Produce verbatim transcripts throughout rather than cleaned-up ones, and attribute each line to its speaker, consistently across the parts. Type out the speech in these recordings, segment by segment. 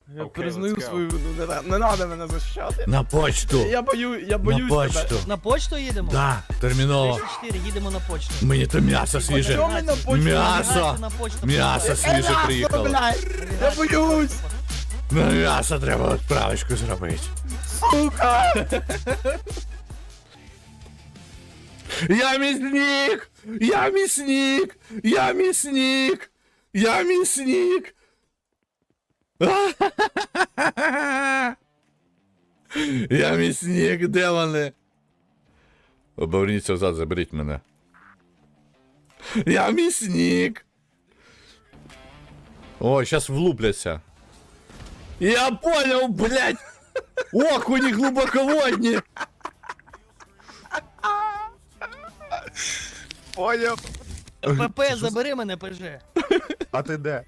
Speaker 1: Я
Speaker 2: Окей,
Speaker 1: признаю
Speaker 2: let's go.
Speaker 1: свою вину, не, на- не надо мене захищати.
Speaker 3: На почту.
Speaker 1: Я бою, я
Speaker 3: На
Speaker 1: боюсь тебе.
Speaker 3: почту.
Speaker 4: На почту їдемо?
Speaker 3: Да, терміново.
Speaker 4: тридцять чотири, їдемо на почту.
Speaker 3: Мені то м'ясо
Speaker 1: Чому
Speaker 3: свіже.
Speaker 1: ми на почту?
Speaker 3: М'ясо.
Speaker 4: Набирайте на почту.
Speaker 3: М'ясо свіже приїхало.
Speaker 1: Блядь, я боюсь,
Speaker 3: На м'ясо треба відправочку зробити.
Speaker 1: сука!
Speaker 3: Я мясник! Я мясник! Я мясник! Я мясник! Я мясник, де вони? Оберніться взад, заберіть мене. Я мясник! Ой, сейчас влупляться. Я понял, блядь! Окуни глубоководні!
Speaker 1: Поняв.
Speaker 4: ПП, забери мене, ПЖ.
Speaker 2: А ти де?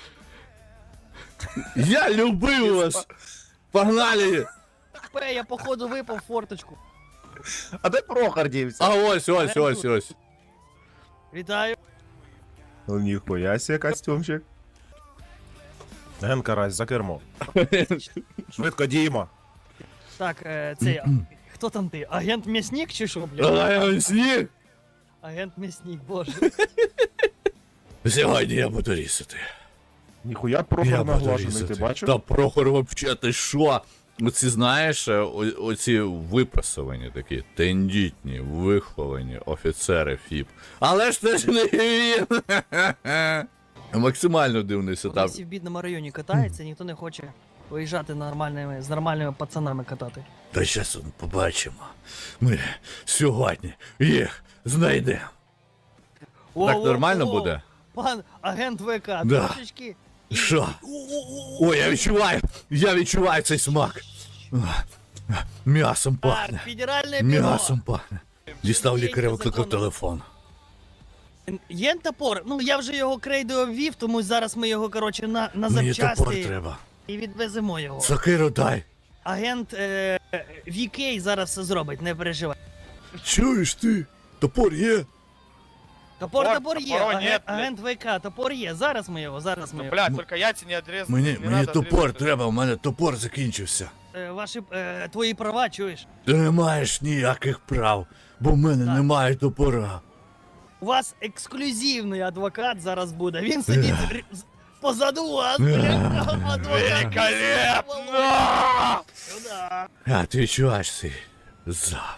Speaker 3: Я любив вас! Погнали!
Speaker 4: ПП, я походу випав в форточку.
Speaker 2: А де Прохор дівся?
Speaker 3: А ось, ось, ось, ось.
Speaker 4: Вітаю.
Speaker 2: Ну ніхуя себе костюмчик. Ген Карась, за кермо. Швидко діємо.
Speaker 4: Так, е, цей, а, хто там ти? Агент М'ясник чи що, блядь?
Speaker 3: А я мясник!
Speaker 4: Агент М'ясник, боже.
Speaker 3: Сьогодні я буду різати.
Speaker 2: Ніхуя
Speaker 3: Я
Speaker 2: Прохор
Speaker 3: буду
Speaker 2: наглажений,
Speaker 3: різати.
Speaker 2: ти бачив?
Speaker 3: Та Прохор вообще, ти що? Оці, знаєш, о- оці випрасовані такі, тендітні, виховані офіцери ФІП. Але ж це ж не він! Максимально дивний
Speaker 4: Вони
Speaker 3: сетап.
Speaker 4: всі в бідному районі катаються, ніхто не хоче виїжджати нормальними, з нормальними пацанами катати.
Speaker 3: Та щас побачимо. Ми сьогодні їх знайдемо. Так нормально буде?
Speaker 4: Пан агент ВК,
Speaker 3: Да.
Speaker 4: трошечки.
Speaker 3: Що? Ой, я відчуваю, я відчуваю цей смак. М'ясом
Speaker 4: Так,
Speaker 3: пахне.
Speaker 4: федеральне бюро.
Speaker 3: М'ясом пахне. Дістав лікаря, викликав
Speaker 4: закону.
Speaker 3: телефон.
Speaker 4: Є топор? Ну я вже його крейдою обвів, тому зараз ми його, коротше, на, на
Speaker 3: Мені топор
Speaker 4: запчасти
Speaker 3: треба.
Speaker 4: і відвеземо його.
Speaker 3: Сокиру дай.
Speaker 4: Агент е, ві кей зараз все зробить, не переживай.
Speaker 3: Чуєш ти? Топор є?
Speaker 4: Топор,
Speaker 5: Топор,
Speaker 4: топор є,
Speaker 5: топора
Speaker 4: агент,
Speaker 5: нет, блядь.
Speaker 4: агент ВК, топор є, зараз ми його, зараз ми
Speaker 5: Ну,
Speaker 4: його.
Speaker 5: блядь, только яйца не отрезаны.
Speaker 3: Мені,
Speaker 5: не
Speaker 3: мені
Speaker 5: надо
Speaker 3: топор
Speaker 5: отрезать.
Speaker 3: треба, у мене топор закінчився.
Speaker 4: Е, ваші, е, твої права, чуєш?
Speaker 3: Ти не маєш ніяких прав, бо в мене
Speaker 4: Так.
Speaker 3: немає топора.
Speaker 4: У вас ексклюзивний адвокат зараз буде, він сидить р- з- позаду вас, блядь, адвокат.
Speaker 5: Великолепно!
Speaker 4: Сюда.
Speaker 3: А ти відчуваєш цей запах.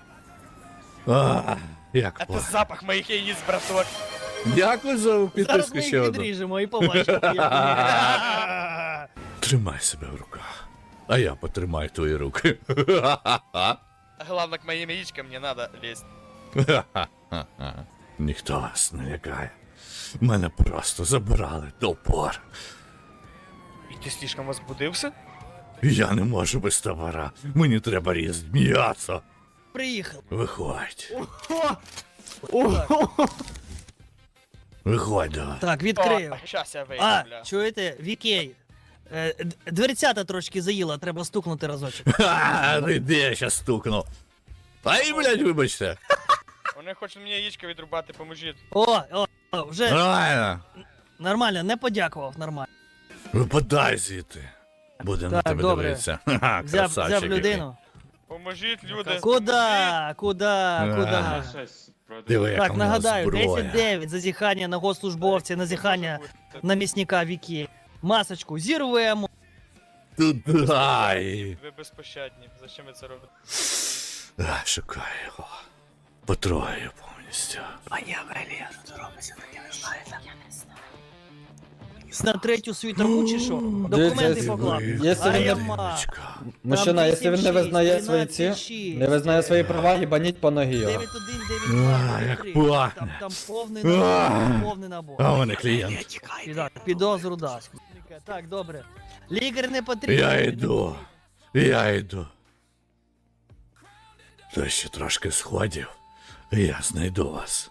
Speaker 3: А, як
Speaker 5: Это
Speaker 3: пахне.
Speaker 5: запах моих яиц, браток.
Speaker 3: Дякую за
Speaker 4: Зараз
Speaker 3: підписку
Speaker 4: ми
Speaker 3: ще
Speaker 4: їх
Speaker 3: одну.
Speaker 4: відріжемо і побачимо. як вони.
Speaker 3: Тримай себе в руках, а я потримаю твої руки.
Speaker 5: А главное, к моим яичкам не надо лезть.
Speaker 3: Ніхто вас не лякає. Мене просто забрали топор.
Speaker 5: И ты слишком возбудился?
Speaker 3: Я не можу без топора. Мені треба різати м'ясо.
Speaker 4: Приїхав.
Speaker 3: Виходь. Виходь давай.
Speaker 4: Так, відкрию.
Speaker 5: Сейчас я выйду,
Speaker 4: А,
Speaker 5: бля.
Speaker 4: чуєте, Вікей? Е, д- Дверцята трошки заїла, треба стукнути разочок.
Speaker 3: Ха, ну де я щас стукну. Ай, блядь, вибачте.
Speaker 5: Вони хочуть мені яичко відрубати, поможіть.
Speaker 4: О, о, о, вже
Speaker 3: Нормально.
Speaker 4: нормально, не подякував, нормально.
Speaker 3: Випадай звідти. Будемо на
Speaker 4: Так,
Speaker 3: тебе
Speaker 4: добре.
Speaker 3: дивитися. Ха-ха,
Speaker 4: Взяв,
Speaker 3: красавчик
Speaker 4: взяв
Speaker 3: який.
Speaker 4: людину.
Speaker 5: Поможіть, люди.
Speaker 4: Куда? Куда? Куда?
Speaker 3: Диви, яка
Speaker 4: Так,
Speaker 3: в нього
Speaker 4: нагадаю,
Speaker 3: зброя.
Speaker 4: десять дев'ять, зазіхання на госслужбовця, назіхання на місника Вікі. Масочку зірвемо.
Speaker 3: Тут дай.
Speaker 5: Ви безпощадні. Зачем ви це робите?
Speaker 3: А, шукаю його. Потрогаю повністю.
Speaker 4: На третю світерку чи що? Документи
Speaker 6: Дивіться,
Speaker 4: поклав.
Speaker 6: якщо
Speaker 4: А
Speaker 6: він
Speaker 4: я
Speaker 6: не-
Speaker 4: ма.
Speaker 3: Дівчинка.
Speaker 6: Мужчина, якщо він не визнає свої ці,
Speaker 4: тринадцять шість.
Speaker 6: не визнає свої права, їбаніть по ногі його.
Speaker 4: дев'ять один дев'ять два.
Speaker 3: А, як
Speaker 4: три.
Speaker 3: пахне.
Speaker 4: Там, там повний набор, повний набор.
Speaker 3: А у мене клієнт.
Speaker 4: Піда- Підозру дасть. Так, добре. Лікар не потрібен.
Speaker 3: Я йду. Я йду. То ще трошки сходів. Я знайду вас.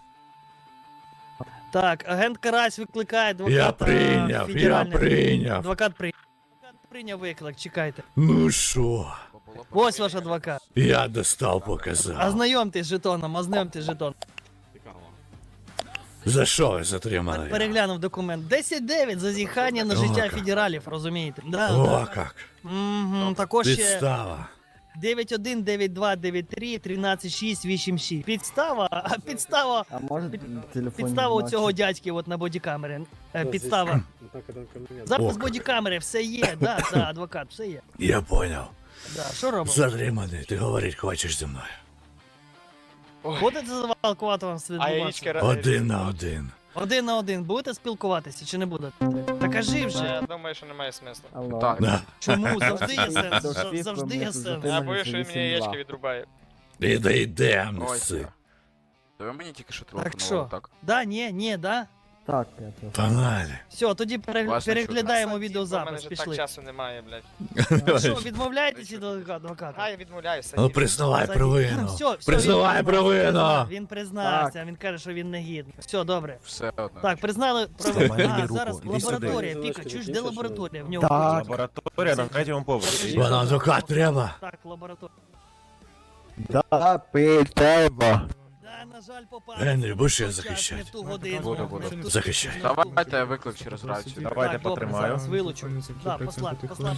Speaker 4: Так, агент Карась викликає адвоката.
Speaker 3: Я прийняв, я
Speaker 4: федеральний.
Speaker 3: прийняв.
Speaker 4: Адвокат прийняв. Адвокат прийняв виклик, чекайте.
Speaker 3: Ну що?
Speaker 4: Ось ваш адвокат.
Speaker 3: Я достав, показав.
Speaker 4: Ознайомтесь з жетоном, ознайомтесь з жетоном.
Speaker 3: За що ви затримали?
Speaker 4: Переглянув документ. десять дев'ять зазіхання на
Speaker 3: О,
Speaker 4: життя
Speaker 3: як.
Speaker 4: федералів, розумієте? Да,
Speaker 3: О,
Speaker 4: да.
Speaker 3: як.
Speaker 4: Угу, також ще
Speaker 3: Підстава.
Speaker 4: дев'ять один, дев'ять два, дев'ять три, тринадцять шість, вісім шість. Підстава, а підстава,
Speaker 6: А може телефон?
Speaker 4: підстава у цього дядьки от на бодікамері. Е, Підстава. Запис
Speaker 3: О,
Speaker 4: бодікамери, все є, да, да, адвокат, все є.
Speaker 3: Я поняв.
Speaker 4: Да, що робимо?
Speaker 3: Затриманий, ти говорить хочеш зі мною.
Speaker 4: Будете завалкувати вам
Speaker 5: А
Speaker 4: свідомості?
Speaker 5: яєчки...
Speaker 3: Один на один.
Speaker 4: Один на один будете спілкуватися чи не будете? Та кажи
Speaker 5: Ну,
Speaker 4: вже.
Speaker 5: я думаю, що немає смислу.
Speaker 6: Алло.
Speaker 7: Так.
Speaker 3: Да.
Speaker 4: Чому? Завжди є сенс.
Speaker 6: До
Speaker 4: Зав-
Speaker 6: світла
Speaker 4: Завжди
Speaker 6: мені
Speaker 4: є
Speaker 6: тут
Speaker 4: сенс.
Speaker 5: Я
Speaker 6: затримали
Speaker 5: боюсь, що він
Speaker 6: за
Speaker 5: мені
Speaker 6: вісім
Speaker 5: яєчки
Speaker 6: два.
Speaker 5: відрубає.
Speaker 3: Іди, йди,
Speaker 7: Ой,
Speaker 3: неси.
Speaker 7: Та ви мені тільки що
Speaker 4: Так
Speaker 7: телефонували,
Speaker 4: що?
Speaker 7: так?
Speaker 4: Да, ні, ні, да?
Speaker 6: Так, п'ятого.
Speaker 3: Погнали.
Speaker 4: Все, тоді перегля-
Speaker 7: Власне,
Speaker 4: переглядаємо
Speaker 5: У мене
Speaker 4: відеозапис,
Speaker 5: вже так
Speaker 4: пішли.
Speaker 5: часу немає, блядь.
Speaker 4: Ну що, відмовляєтесь від адвоката?
Speaker 5: А, я відмовляюся.
Speaker 3: Ну признавай
Speaker 4: Садіть.
Speaker 3: провину.
Speaker 4: Все, все,
Speaker 3: Признавай
Speaker 4: він
Speaker 3: провину.
Speaker 4: признався, Він признався, він каже, що він не гідний. Все, добре.
Speaker 7: Все одно.
Speaker 4: Так, признали
Speaker 2: Вставай,
Speaker 4: провину.
Speaker 2: мені
Speaker 4: А,
Speaker 2: руку,
Speaker 4: зараз
Speaker 2: іди сюди.
Speaker 4: лабораторія. Піка, чуєш, де лабораторія? В нього.
Speaker 6: Так.
Speaker 2: Лабораторія на третьому поверсі.
Speaker 3: Вона адвокат треба.
Speaker 4: Так, лабораторія.
Speaker 6: Да, питаємо.
Speaker 4: Да, на жаль, попав.
Speaker 3: Генрі, будеш я
Speaker 4: Не в ту
Speaker 3: захищати?
Speaker 4: годину.
Speaker 7: Буду, буду.
Speaker 4: не в ту-
Speaker 3: Захищай.
Speaker 4: не в ту-
Speaker 7: Давайте я виклик через рацію.
Speaker 2: Давайте
Speaker 4: Так, добре,
Speaker 2: потримаю.
Speaker 4: зараз вилучу. Да, послати, послати.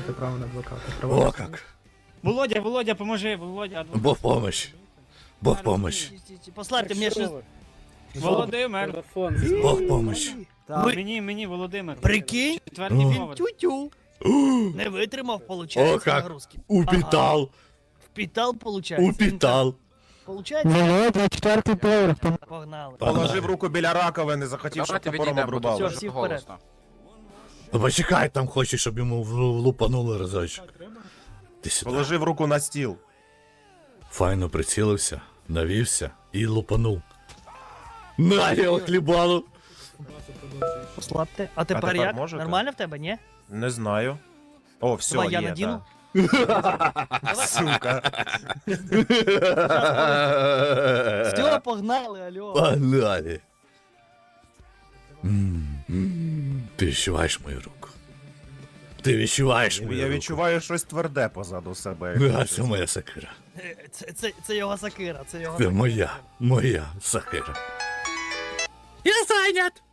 Speaker 3: О, як.
Speaker 8: Володя, Володя, поможи, Володя. адвокат.
Speaker 3: Бог помощь. Бог помощь.
Speaker 4: Послати мені щось.
Speaker 8: Володимир.
Speaker 3: Бог помощь.
Speaker 6: Так.
Speaker 4: Ви-
Speaker 8: Мені, мені, Володимир.
Speaker 4: Прикинь,
Speaker 8: Четвертий
Speaker 3: Він
Speaker 8: поверх.
Speaker 4: тю-тю. Не витримав,
Speaker 3: О,
Speaker 4: получається,
Speaker 3: як.
Speaker 4: нагрузки.
Speaker 3: Упитал.
Speaker 4: Впітал, получається.
Speaker 3: Упитал.
Speaker 4: Получається?
Speaker 6: Володя, четвертий поверх.
Speaker 4: Погнали.
Speaker 2: Положив руку біля раковини, захотів, щоб
Speaker 7: Давайте
Speaker 2: топором
Speaker 7: відійдемо, бо
Speaker 2: обрубав.
Speaker 7: тут
Speaker 4: Всьо, всі
Speaker 7: дуже
Speaker 4: вперед.
Speaker 7: голосно.
Speaker 3: Ну, почекай, там хочеш, щоб йому в- лупанули разочок. Ти сюди.
Speaker 2: Положив руку на стіл.
Speaker 3: Файно прицілився, навівся і лупанув. На його хлібалу.
Speaker 4: Послабте. А тепер,
Speaker 2: тепер
Speaker 4: як?
Speaker 2: можете?
Speaker 4: Нормально в тебе, ні?
Speaker 2: Не знаю. О, все,
Speaker 4: Давай
Speaker 2: є,
Speaker 4: я надіну.
Speaker 2: так. Сука.
Speaker 4: Все, погнали, алло.
Speaker 3: Погнали. М, м, Ти відчуваєш мою руку. Ти відчуваєш мою
Speaker 2: Я
Speaker 3: руку.
Speaker 2: відчуваю щось тверде позаду себе.
Speaker 3: А це моя сакира.
Speaker 4: Е, Це, це, це його сакира, це його
Speaker 3: Це
Speaker 4: сакира.
Speaker 3: моя, моя сакира. Я зайнят!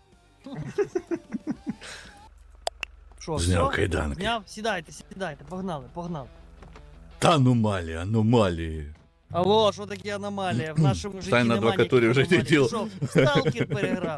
Speaker 4: Що,
Speaker 3: Зняв
Speaker 4: все?
Speaker 3: кайданки.
Speaker 4: Зняв? Сідайте, сідайте, погнали, погнали.
Speaker 3: Та аномалії, аномалії.
Speaker 4: Алло, що таке аномалія? В нашому житті
Speaker 3: Стань на
Speaker 4: немає
Speaker 3: адвокатурі,
Speaker 4: ніяких
Speaker 3: вже не
Speaker 4: аномалій.
Speaker 3: діло.
Speaker 4: Що, сталкер переграв?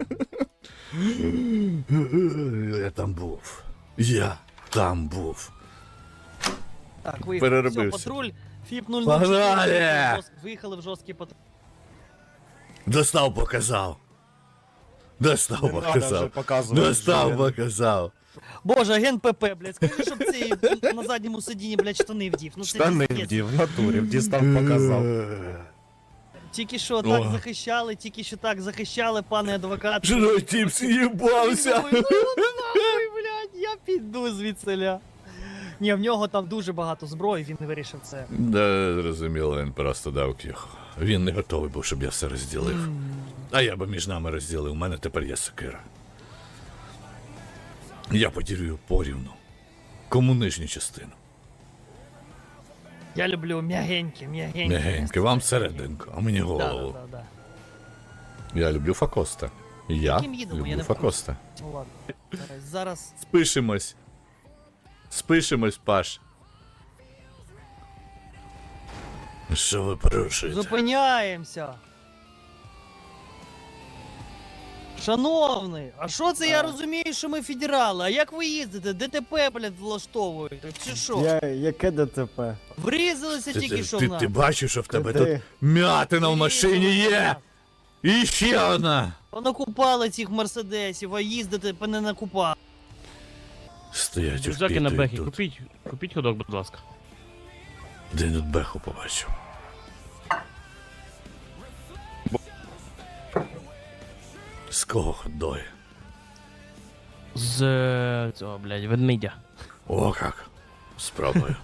Speaker 3: Я там був. Я там був.
Speaker 4: Так, виїхали.
Speaker 3: Переробився.
Speaker 4: Все, патруль, ФІП нуль нуль
Speaker 3: Погнали!
Speaker 4: чотири. Виїхали в жорсткий патруль.
Speaker 3: Достав, показав. Достав,
Speaker 2: Не надо вже
Speaker 3: показав.
Speaker 2: показувати.
Speaker 3: Достав,
Speaker 2: вже.
Speaker 3: показав.
Speaker 4: Боже, агент ПП, блядь, скажи, щоб цей на задньому сидінні, блядь, штани вдів. Ну, це
Speaker 2: Штани
Speaker 4: пиздець.
Speaker 2: вдів, в натурі, в дістав показав.
Speaker 4: Тільки що так
Speaker 3: О.
Speaker 4: захищали, тільки що так захищали, пане адвокат.
Speaker 3: Жирой тіп з'їбався.
Speaker 4: Ой, ну нахуй, блядь, я піду звідсиля. Ні, в нього там дуже багато зброї, він вирішив це.
Speaker 3: Да, зрозуміло, він просто дав його. Він не готовий був, щоб я все розділив. А я би між нами розділив, у мене тепер є сокира. Я поділю порівну. Кому нижню частину?
Speaker 4: Я люблю м'ягенькі, м'ягенькі.
Speaker 3: Мягеньке, вам серединку, а мені
Speaker 4: Да,
Speaker 3: голову.
Speaker 4: да, да, да.
Speaker 3: Я люблю Факоста. Я
Speaker 4: Яким їдемо? Я
Speaker 3: люблю
Speaker 4: не в курсі.
Speaker 3: Факоста.
Speaker 4: Ну ладно. Зараз- Зараз
Speaker 3: Спишемось. Спишемось, Паш. Що ви порушуєте?
Speaker 4: зупиняємося. Шановний, а що це я розумію, що ми федерали? А як ви їздите? ДТП, блядь, влаштовуєте? Чи що?
Speaker 6: Я, яке ДТП?
Speaker 4: Врізалися
Speaker 3: Ти,
Speaker 4: тільки
Speaker 3: ти,
Speaker 4: що
Speaker 3: ти,
Speaker 4: в нас.
Speaker 3: ти бачиш, що в тебе
Speaker 6: Куди?
Speaker 3: тут м'ятина в машині
Speaker 4: Врізалися в
Speaker 3: є?
Speaker 4: нас.
Speaker 3: І ще одна.
Speaker 4: Понакупали цих мерседесів, а їздити по не накупали.
Speaker 3: Стоять
Speaker 9: Рюкзаки на бехі,
Speaker 3: тут.
Speaker 9: купіть, купіть ходок, будь ласка.
Speaker 3: Де тут беху побачив? З кого ходой?
Speaker 9: З е, цього, блядь, ведмідя.
Speaker 3: О, як. Спробую.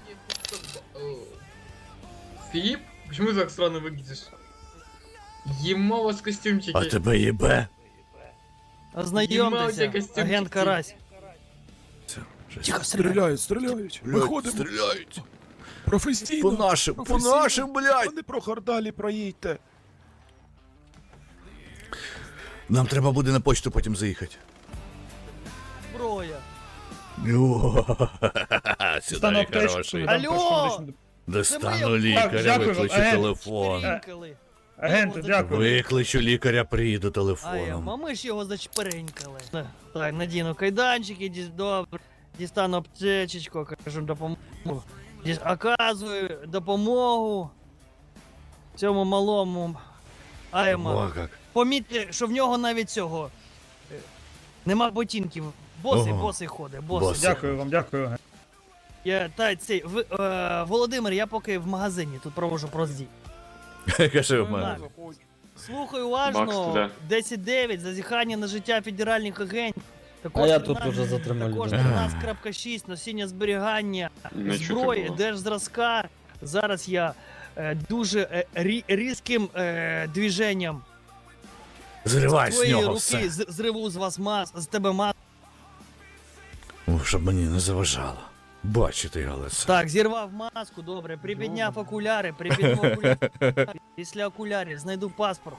Speaker 10: Филипп? Почему ты так странно выглядишь? Ема у вас костюмчики.
Speaker 3: А тебе їбе?
Speaker 10: Єма, у
Speaker 4: Ознайомтеся,
Speaker 10: тебе костюмчик
Speaker 4: агент
Speaker 10: є.
Speaker 4: Карась.
Speaker 3: Тихо,
Speaker 1: Стріляють, стріляють. Виходимо.
Speaker 3: Стріляють.
Speaker 1: Професійно.
Speaker 3: По нашим, по
Speaker 1: Професійно.
Speaker 3: нашим, блядь.
Speaker 1: Вони про Гордалі проїдьте.
Speaker 3: Нам треба буде на почту потім заїхати.
Speaker 4: Зброя.
Speaker 3: О, сюди хороший.
Speaker 4: Алло!
Speaker 3: Достану
Speaker 4: моє-
Speaker 3: лікаря,
Speaker 10: дякую вам,
Speaker 3: викличу
Speaker 10: агент.
Speaker 3: телефон.
Speaker 4: Чперенькали.
Speaker 10: Агенти, дякую.
Speaker 3: Викличу лікаря, приїду
Speaker 4: А я,
Speaker 3: телефоном.
Speaker 4: а ми ж його зачперенькали. Так, надіну кайданчики, діс- добре. Дістану аптечечку, кажу, допомогу. Діс- Оказую допомогу цьому малому. Айма.
Speaker 3: О, як.
Speaker 4: Помітьте, що в нього навіть цього. е, Нема ботинків. Босий,
Speaker 3: Ого.
Speaker 4: босий ходить, босий.
Speaker 3: Босий.
Speaker 10: Дякую вам, дякую.
Speaker 4: Я, та, цей, ви, е, Володимир, я поки в магазині тут провожу проздій.
Speaker 3: Каже в мене.
Speaker 4: Слухай уважно, десять дев'ять, зазіхання на життя федеральних агентів. Також
Speaker 6: А я тут
Speaker 4: тринадцять
Speaker 6: уже затримав
Speaker 4: Також
Speaker 6: людей.
Speaker 4: тринадцять крапка шість, носіння зберігання, зброї, держзразка. Зараз я е, дуже е, рі, різким е, движенням
Speaker 3: Зривай з
Speaker 4: твоєї
Speaker 3: нього
Speaker 4: руки
Speaker 3: все.
Speaker 4: з, зриву з вас мас, з тебе мас.
Speaker 3: О, щоб мені не заважало. Бачити його лице.
Speaker 4: Так, зірвав маску, добре, припідняв окуляри, припідняв окуляри. Після окулярів знайду паспорт.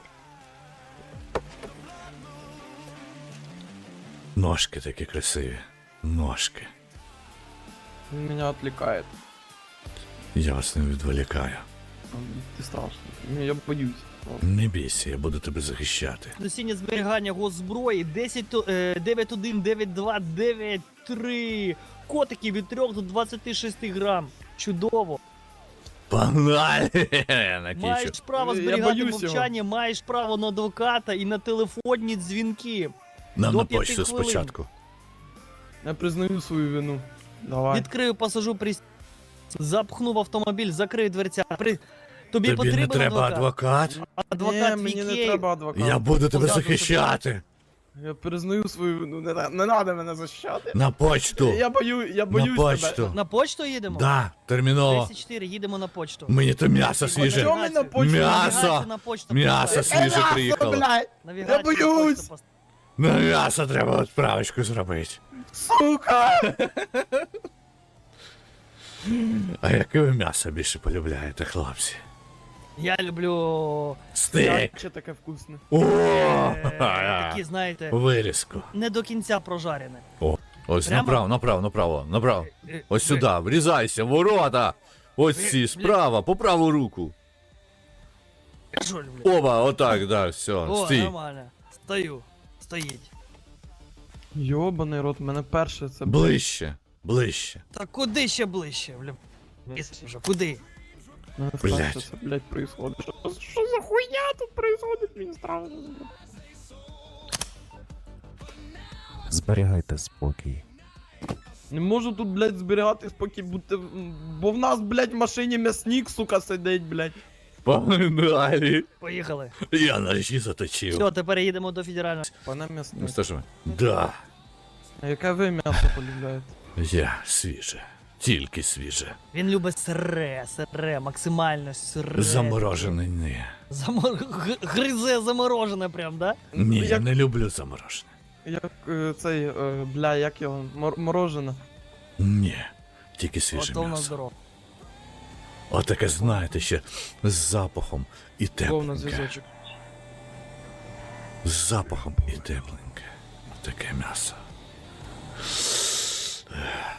Speaker 3: Ножки такі красиві. Ножки.
Speaker 7: Он меня отвлекает.
Speaker 3: Я вас не відволікаю.
Speaker 7: Ты страшный. Не, я боюсь.
Speaker 3: Не бійся, я буду тебе захищати.
Speaker 4: Носіння зберігання госзброї десять, то- е, дев'ять один, дев'ять два, дев'ять три. Котики від трьох до двадцяти шести грам. Чудово.
Speaker 3: Погнали! Накічу.
Speaker 4: Маєш право
Speaker 7: Я
Speaker 4: зберігати
Speaker 7: боюсь
Speaker 4: мовчання, маєш право на адвоката і на телефонні дзвінки.
Speaker 3: Нам
Speaker 4: до
Speaker 3: на
Speaker 4: п'яти
Speaker 3: почту
Speaker 4: хвилин.
Speaker 3: спочатку.
Speaker 7: Я признаю свою вину. Давай.
Speaker 4: Відкрию пасажу при... Запхнув автомобіль, закрию дверця. При... Тобі,
Speaker 3: Тобі
Speaker 4: потрібен
Speaker 3: не треба адвокат?
Speaker 4: Адвокат
Speaker 7: Ні, мені не
Speaker 4: Вікей.
Speaker 7: треба адвоката.
Speaker 3: Я буду тебе
Speaker 4: Позаду
Speaker 3: захищати.
Speaker 7: Я признаю свою вину. Не, не треба мене захищати.
Speaker 3: На почту.
Speaker 7: Я бою, я
Speaker 3: На
Speaker 7: боюсь
Speaker 3: почту.
Speaker 7: тебе.
Speaker 4: На почту їдемо?
Speaker 3: Да, терміново.
Speaker 4: тридцять чотири, їдемо на почту.
Speaker 3: Мені то м'ясо свіже.
Speaker 7: Чого ми на почту?
Speaker 3: М'ясо.
Speaker 4: Навігацію на почту
Speaker 3: М'ясо
Speaker 4: поставити.
Speaker 3: свіже приїхало.
Speaker 7: блядь,
Speaker 4: Навігацію
Speaker 7: Я
Speaker 4: на почту
Speaker 7: боюсь.
Speaker 4: поставити.
Speaker 3: На м'ясо треба відправочку зробити.
Speaker 7: сука!
Speaker 3: А яке ви м'ясо більше полюбляєте, хлопці?
Speaker 4: Я люблю
Speaker 3: Стейк.
Speaker 7: Че таке вкусне?
Speaker 3: О,
Speaker 4: е, такі, знаєте,
Speaker 3: вирізку.
Speaker 4: не до кінця прожарене.
Speaker 3: Ось
Speaker 4: Прямо?
Speaker 3: направо, направо, направо, направо.
Speaker 4: Е,
Speaker 3: Ось
Speaker 4: ви-
Speaker 3: сюди, врізайся, ворота. Ось
Speaker 4: Ви-
Speaker 3: ці, справа, по праву руку.
Speaker 4: Я що люблю?
Speaker 3: Оба, отак, да, все,
Speaker 4: О,
Speaker 3: стій.
Speaker 4: нормально. Стою. Стоїть.
Speaker 7: Йобаний рот, мене перше це...
Speaker 3: Ближче, ближче.
Speaker 4: Та куди ще ближче? Бля, Місяць вже, куди?
Speaker 7: Мене
Speaker 3: Блядь.
Speaker 7: перше це, блядь, происходить. Що, що за хуйня тут происходить? Мені страшно.
Speaker 2: Зберігайте спокій.
Speaker 7: Не можу тут, блядь, зберігати спокій, бути... бо в нас, блядь, в машині м'ясник, сука, сидить, блядь.
Speaker 3: Погнали.
Speaker 4: Поїхали.
Speaker 3: Я ножі заточив.
Speaker 4: Все, тепер їдемо до федерального.
Speaker 7: Пане
Speaker 3: Ну
Speaker 7: м'ясник,
Speaker 3: що ж ви? Да,
Speaker 7: а яке ви м'ясо полюбляєте?
Speaker 3: я свіже. Тільки свіже.
Speaker 4: Він любить сире, сире, максимально сире.
Speaker 3: Заморожене ні.
Speaker 4: Замор... г- Гризе заморожене прям, да?
Speaker 3: Ні, я
Speaker 7: Як,
Speaker 3: не люблю заморожене.
Speaker 7: як е, цей, е, бля, як його, мор морожене.
Speaker 3: Ні, тільки свіже
Speaker 4: Ото в нас
Speaker 3: м'ясо.
Speaker 4: здорово.
Speaker 3: Отаке, знаєте, ще з запахом і
Speaker 7: Гов на
Speaker 3: тепленьке.
Speaker 7: зв'язочок.
Speaker 3: З запахом і тепленьке. Таке м'ясо. Ех.